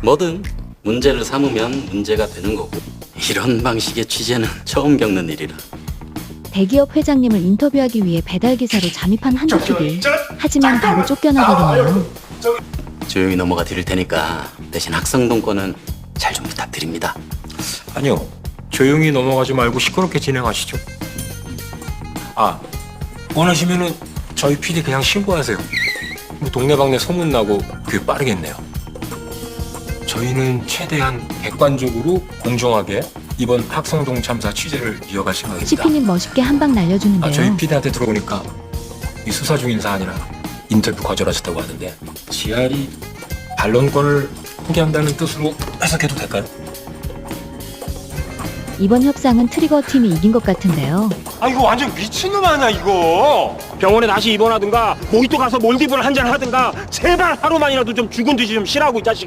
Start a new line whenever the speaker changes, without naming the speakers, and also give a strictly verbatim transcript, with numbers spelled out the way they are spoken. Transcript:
뭐든 문제를 삼으면 문제가 되는 거고, 이런 방식의 취재는 처음 겪는 일이라.
대기업 회장님을 인터뷰하기 위해 배달기사로 잠입한 한조피디. 하지만 바로 쫓겨나거든요.
조용히 넘어가 드릴 테니까 대신 학생동권은 잘 좀 부탁드립니다.
아니요, 조용히 넘어가지 말고 시끄럽게 진행하시죠. 아, 원하시면은 저희 피디 그냥 신고하세요. 뭐 동네방네 소문나고 그게 빠르겠네요. 저희는 최대한 객관적으로 공정하게 이번 학성동 참사 취재를 이어갈 생각입니다.
시피님 멋있게 한 방 날려주는데요.
아, 저희 피디한테 들어보니까 이 수사 중인 사안이라 인터뷰 거절하셨다고 하는데, 지알이 반론권을 포기한다는 뜻으로 해석해도 될까요?
이번 협상은 트리거 팀이 이긴 것 같은데요.
아 이거 완전 미친놈 아니야 이거. 병원에 다시 입원하든가 모히또 가서 몰디브를 한잔 하든가 제발 하루만이라도 좀 죽은 듯이 좀 쉬라고 이 자식.